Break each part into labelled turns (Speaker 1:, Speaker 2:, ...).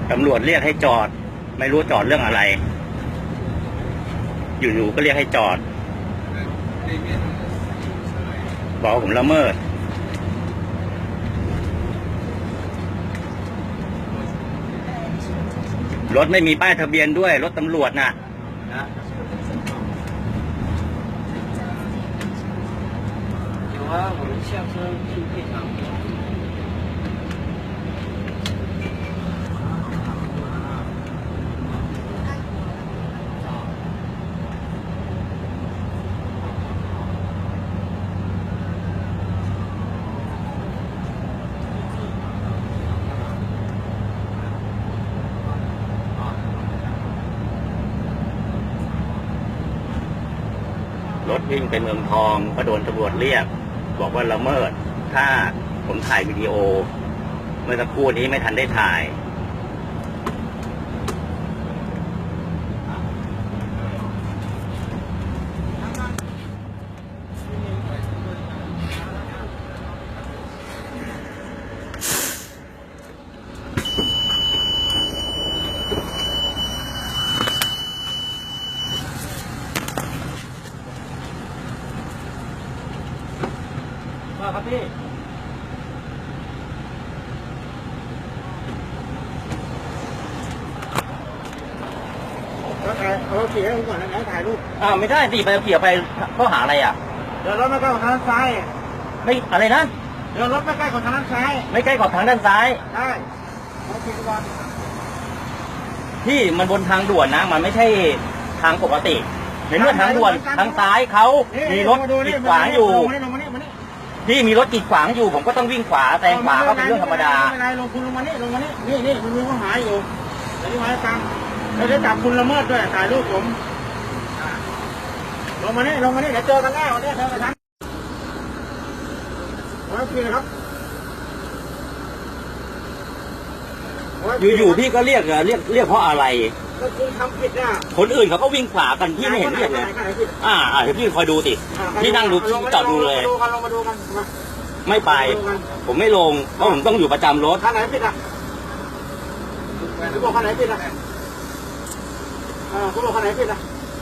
Speaker 1: ตำรวจเรียกให้จอดไม่รู้จอดเรื่องอะไรอยู่ๆก็เรียกให้จอดบอกผมละเมิดรถไม่มีป้ายทะเบียนด้วยรถตำรวจน่ะ
Speaker 2: 有啊，我们下车去配偿。
Speaker 1: รถวิ่งไปเมืองทองก็โดนตำรวจเรียกบอกว่าละเมิดถ้าผมถ่ายวิดีโอเมื่อสักครู่นี้ไม่ทันได้ถ่ายครับพี่
Speaker 3: เอาขี่ให้ผมก่อนนะถ่ายรูป
Speaker 1: ไม่ได้สิไปเขี่ยไปข้อหาอะไรอ่ะ
Speaker 3: เดี๋ยวรถไม่ใกล้ของทางด้านซ้าย
Speaker 1: ไม่อะไรนะ
Speaker 3: เดี๋ยวรถไม่ใกล้ของทางด้านซ้าย
Speaker 1: ไม่ใกล้ขอบทางด้านซ้าย
Speaker 3: ได้เอาขี่ก่อน
Speaker 1: พี่มันบนทางด่วนนะมันไม่ใช่ทางปกติในเมื่อทางด่วนทางซ้ายเขามีรถกีดขวางอยู่พี่มีรถกีดขวางอยู่ผมก็ต้องวิ่งขวาแซงขวาก็เป็นเรื่องธรรมดา
Speaker 3: ไม่เป็นไรลงคุณลงมานี่นี่คุณมีข้อหาอยู่เดี๋ยวนี้มาให้ตังค์แล้วจะจับคุณละเมิดด้วยถ่ายรูปผมลงมานี่เดี๋ยวเจอกันแน่วันนี้เจอกันทั้งโอเคครับ
Speaker 1: อยู่พี่ก็เรียกเพราะอะไร
Speaker 3: ก็คุณทำผิดอ่ะ
Speaker 1: คนอื่นเขาก็วิ่งขวากันพี่ไม่เห็นเรียกเลยเดี๋ยวพี่คอยดูสิพี่นั่งดูจอดดูเลย
Speaker 3: ลงมาดูกัน
Speaker 1: ไม่ไปผมไม่ลงเพราะผมต้องอยู่ประจำรถ
Speaker 3: คันไหนผิดอ่ะคุณบอกคันไหนผิดอ่ะคุณบอกคันไหนผิดอ่ะ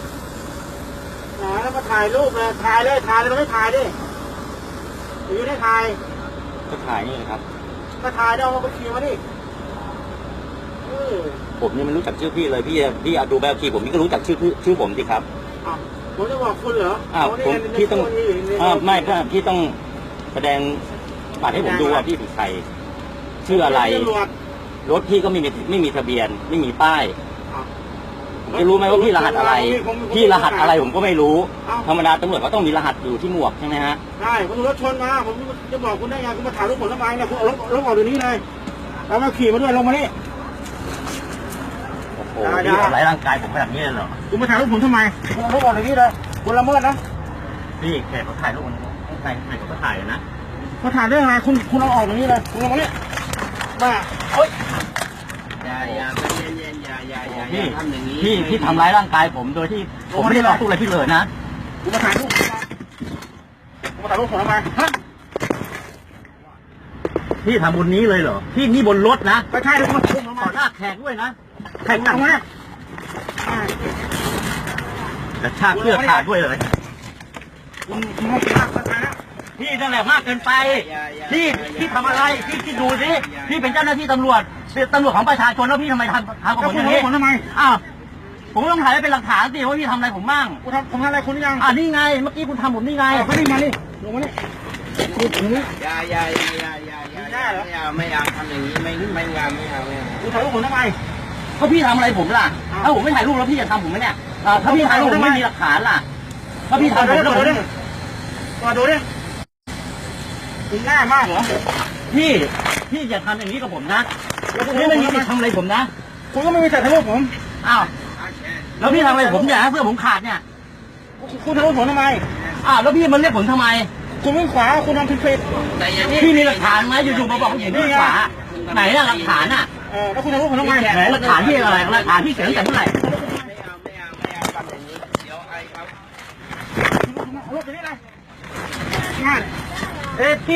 Speaker 3: แล้วมาถ่ายรูปเลยถ่ายเลยเราไม่ถ่ายดิอยู่ได้ถ่าย
Speaker 1: ก็ถ่ายนี่ครับ
Speaker 3: ก็ถ่ายได้เอาไปขี่มาดิ
Speaker 1: ผมนี่มันรู้จักชื่อพี่เลยพี่เอาดูแบบขี่ผมนี่ก็รู้จักชื่อผมสิครับ
Speaker 3: ผมจะบอกคุณเหรอ
Speaker 1: พี่ต้องไม่พี่ต้องแสดงบัตรให้ผมดูว่าพี่เป็นใครชื่ออะไรรถพี่ก็ไม่มีทะเบียนไม่มีป้ายผมจะรู้ไหมว่าพี่รหัสอะไรพี่รหัสอะไรผมก็ไม่รู้ธรรมดาตำรวจก็ต้องมีรหัสอยู่ที่หมวกใช่ไหมฮะ
Speaker 3: ใช่ผมรถชนมาผมจะบอกคุณได้ไงคุณมาถ่ายรูปผมทำไมเนี่ยคุณเอารถออกเดี๋ยวนี้เลยแล้วมาขี่มาด้วยลงมานี่
Speaker 1: โอ้โหพี่ทำร้ายร่างกายผมแบบนี้เลยเหรอ
Speaker 3: คุณมาถ่ายรูปผมทำไมคุณเอารถออกเดี๋ยวนี้เลยคุณละเมิดนะ
Speaker 1: พี่แขกเขาถ่ายรูปใครเขาก็ถ่ายนะ
Speaker 3: เขาถ่ายได้ไงคุณเอาออกเดี๋ยวนี้เลยคุณลงมานี่บ้า
Speaker 2: โอ๊ยอย่าเย็นอย่าทำอย่างนี้
Speaker 1: พี่ทำร้ายร่างกายผมโดยที่ผมไม่ได้ต่อสู้อะไรพี่เลยนะ
Speaker 3: คุณมาถ่ายรูปผมทำไมฮะ
Speaker 1: พี่ทำบนนี้เลยเหรอพี่นี่บนรถนะ
Speaker 3: ไม่ใช่ทุกคน
Speaker 1: ขอหน้าแขกด้วยนะ
Speaker 3: แขกหนักมาก
Speaker 1: กระชากเสื้อขาดด้วยเลย
Speaker 3: คุณมากนะ
Speaker 1: พี่นั่นแหละมากเกินไปพี่ทำอะไรพี่ดูสิพี่เป็นเจ้าหน้าที่ตำรวจเป็นตำรวจของประชาชนแล้วพี่ทำไมทำกับผมอย่างนี้
Speaker 3: ผมทำไม
Speaker 1: ผมต้องถ่ายไว้เป็นหลักฐานสิว่าพี่ทำอะไรผมบ้าง
Speaker 3: ผมทำอะไรคุณยัง
Speaker 1: นี่ไงเมื่อกี้คุณทำผมนี่ไง
Speaker 3: ไม่ได้มานี่ลงมานี่
Speaker 2: อย่าไม่อยากทำอย่างนี้ไม่เอา
Speaker 3: คุณถ่ายรูปผมทำไม
Speaker 1: เขาพี่ทำอะไรผมล่ะถ้าผมไม่ถ่ายรูปแล้วพี่จะทำผมไหมเนี่ยถ้าพี่ถ่ายรูปผมไม่มีหลักฐานล่ะถ้าพี่ทำผมแล้วผม
Speaker 3: มาดูดิคุณหน้ามากเหรอ
Speaker 1: พี่อย่าทำอย่างนี้กับผมนะพี่ไม่มีสิทธิ์ทำอะไรผมนะ
Speaker 3: คุณก็ไม่มีสิทธิ์ทำอะไรผม
Speaker 1: แล้วพี่ทำอะไรผมเนี่ยเสื้อผมขาดเนี่ย
Speaker 3: คุณทำอะไรผมทำไม
Speaker 1: แล้วพี่มันเรียกผมทำไม
Speaker 3: คุณวิ่งขวาคุณทำผิด
Speaker 1: พี่มีหลักฐานไหมอยู่ๆมาบอกผมอย่างนี้ขวาไหนล่ะหลักฐาน
Speaker 3: แล้วคุณทำอะไรผมทำไม
Speaker 1: ไหนหลักฐานที่อะไรหลักฐานที่เสียงแต่เมื่อไหร่
Speaker 2: ไม่เอาทำอย่างนี้เดี๋ยวไอ้ครับ
Speaker 3: รถไปนี่เลย
Speaker 1: พี่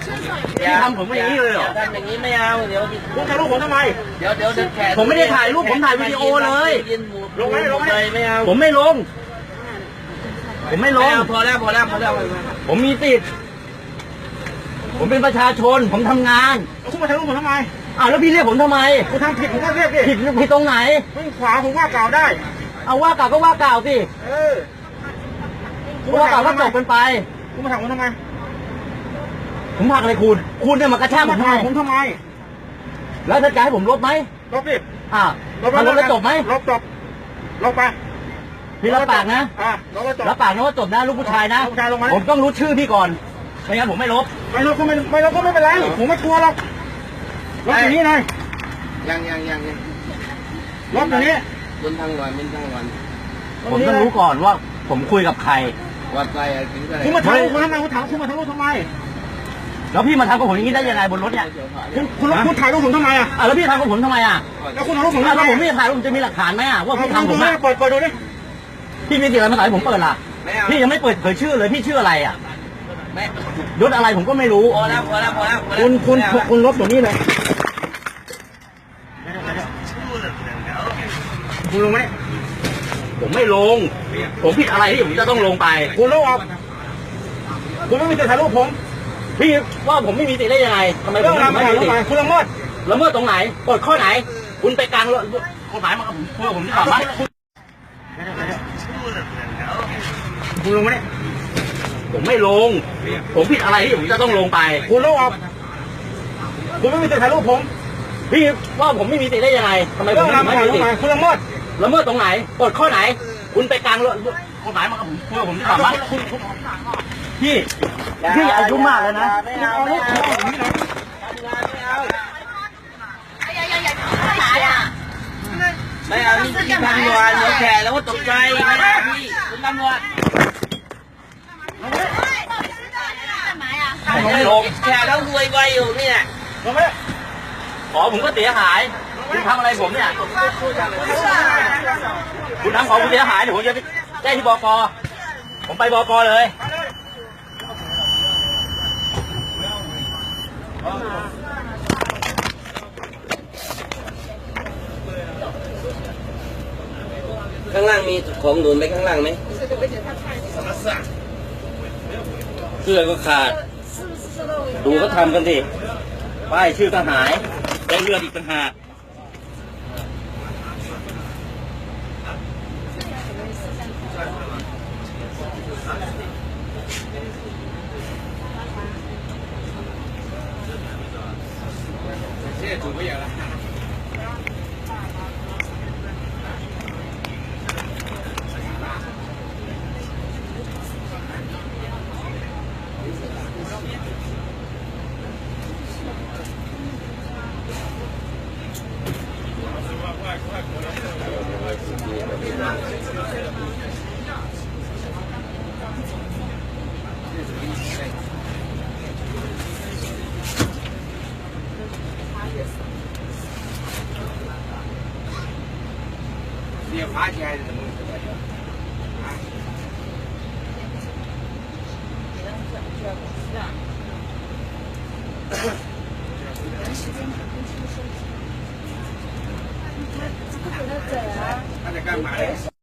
Speaker 1: พี่ทำผมอย่างนี้เลยเหรอ
Speaker 2: ทำอย่างนี้ไม่เอาเดี๋ยว
Speaker 3: คุณถ่ายรูปผมทำไม
Speaker 2: เดี๋ยวแขก
Speaker 1: ผมไม่ได้ถ่ายรูปผมถ่ายวิดีโอเลย
Speaker 3: ลงไหม
Speaker 2: ไม่เอา
Speaker 1: ผมไม่ลง ผมไม่ลง
Speaker 2: พอแล้ว
Speaker 1: ผมมีสิทธิ์ผมเป็นประชาชน ผมทำงาน
Speaker 3: คุณมาถ่ายรูปผมทำไม
Speaker 1: อ้าวแล้วพี่เรียกผมทำไม
Speaker 3: คุณทำผิดผมก็เรียกดิ
Speaker 1: ผิดตรงไหน
Speaker 3: วิ่งขวาผมว่ากล่าวได้
Speaker 1: เอาว่ากล่าวก็ว่ากล่าวสิ
Speaker 3: เออ
Speaker 1: ว่ากล่าวก็จบกันไป
Speaker 3: คุณมาถ่ายผมทำไม
Speaker 1: ผมผลักอะไรคุณเนี่ยมากระชากผม
Speaker 3: มา
Speaker 1: ทำ
Speaker 3: ถ่าย
Speaker 1: ไม
Speaker 3: ผมทำไม
Speaker 1: แล้วถ้าจะให้ผมลบไหม
Speaker 3: ลบดิ
Speaker 1: อ่าถ้าลบแล้วจบไหม
Speaker 3: ลบจบลบไป
Speaker 1: พี่รับปากนะ
Speaker 3: ลบแล้วจบ
Speaker 1: รับปากนะว่าจบนะลูกผู้ชายนะ
Speaker 3: ลูกผู้ชายลงมา
Speaker 1: ผมต้องรู้ชื่อพี่ก่อนไม่งั้นผมไม่ลบ
Speaker 3: ไม่ลบก็ไม่เป็นไรผมไม่กลัวหรอกลบอย่างนี้เลย
Speaker 2: ยัง
Speaker 3: ลบอย่างนี้
Speaker 2: บนทางวัน
Speaker 1: ผมต้องรู้ก่อนว่าผมคุยกับใคร
Speaker 2: วัดใจถึงอะไร
Speaker 3: คุณมาถ่ายรูปผมทำไมคุณถามคุณมาถ่ายรูปทำไม
Speaker 1: แล้วพี่มาทำกับผมอย่างนี้ได้ยังไงบนรถเนี่ย
Speaker 3: คุณถ่ายรูปผมทำไมอ่ะ
Speaker 1: แล้วพี่ทำกับผมทำไมอ่ะ
Speaker 3: แล้วคุณถ่ายรูปผม
Speaker 1: ถ้า
Speaker 3: ทำไม
Speaker 1: ผมไม่ถ่ายรูปจะมีหลักฐานไหมอ่ะว่าพี่ทำผมอ่ะ
Speaker 3: เปิดดูดิ
Speaker 1: พี่มีสิทธิ์อะไรมาถ่ายผมเปิดล่ะ
Speaker 2: ไม่เอา
Speaker 1: พี่ยังไม่เปิดเผยชื่อเลยพี่ชื่ออะไรอ่ะ
Speaker 2: ไม่
Speaker 1: ยศอะไรผมก็ไม่รู้
Speaker 2: พอแล้ว
Speaker 3: คุณลบอย่างนี้เลยคุณลงไหม
Speaker 1: ผมไม่ลง ผมผิดอะไรที่ผมจะต้องลงไป
Speaker 3: คุณลงออกคุณไม่มีสิทธิ์ถ่ายรูปผม
Speaker 1: พี่ว่าผมไม่มีสิทธิ์ได้ยังไงทำไมผ
Speaker 3: เรื่อ
Speaker 1: ม
Speaker 3: งราว
Speaker 1: ไม่
Speaker 3: ถ่าย
Speaker 1: มี
Speaker 3: รูป
Speaker 1: สิท
Speaker 3: ไป
Speaker 1: ธิ์
Speaker 3: คุณละเมิด
Speaker 1: ละเมิดตรงไหนกฎข้อไหน คุณไปกลางกฎหมายมากับผมคุยกับผมดีกว่าไหม
Speaker 3: คุณลงไหม
Speaker 1: ผมไม่ลง ผมผิดอะไรที่ผมจะต้องลงไป
Speaker 3: คุณลงออกคุณไม่มีสิทธิ์ถ่ายรูปผม
Speaker 1: พี่ว่าผมไม่มีสิทธิ์ได้ยังไงทำไมผ
Speaker 3: เรื่อ
Speaker 1: ม
Speaker 3: งราว
Speaker 1: ไม่
Speaker 3: ถ่าย
Speaker 1: มี
Speaker 3: รูป
Speaker 1: สิท
Speaker 3: ไป
Speaker 1: ธิ์
Speaker 3: คุณละเมิด
Speaker 1: ละเมิดตรงไหนกฎข้อไหน คุณไปกลางกฎหมายมากับผมคุยกับผมดีกว่าไหมพี่อายุมากแล้วนะ
Speaker 2: ไม่เอานี่ที่ทางด่วนเดี๋ยวแขกแล้วก็ตกใจพี่คุณตำรวจ
Speaker 1: ผมไม่ลง
Speaker 2: แขกแล้วรวยไวอยู่นี่แหละ
Speaker 3: ลงไหม
Speaker 1: ขอผมก็เสียหาย คุณทำอะไรผมเนี่ย คุณทำของคุณเสียหายเดี๋ยวผมจะไปแจ้งที่บก.ผมไปบก.เลย
Speaker 2: ข้างล่างมีของหนุนไปข้างล่างไหม
Speaker 1: เสื้อก็ขาด ดูเขาทำกันดิป้ายชื่อก็หายได้เลือดอีกต่างหาก
Speaker 2: เดี๋ยวพาแก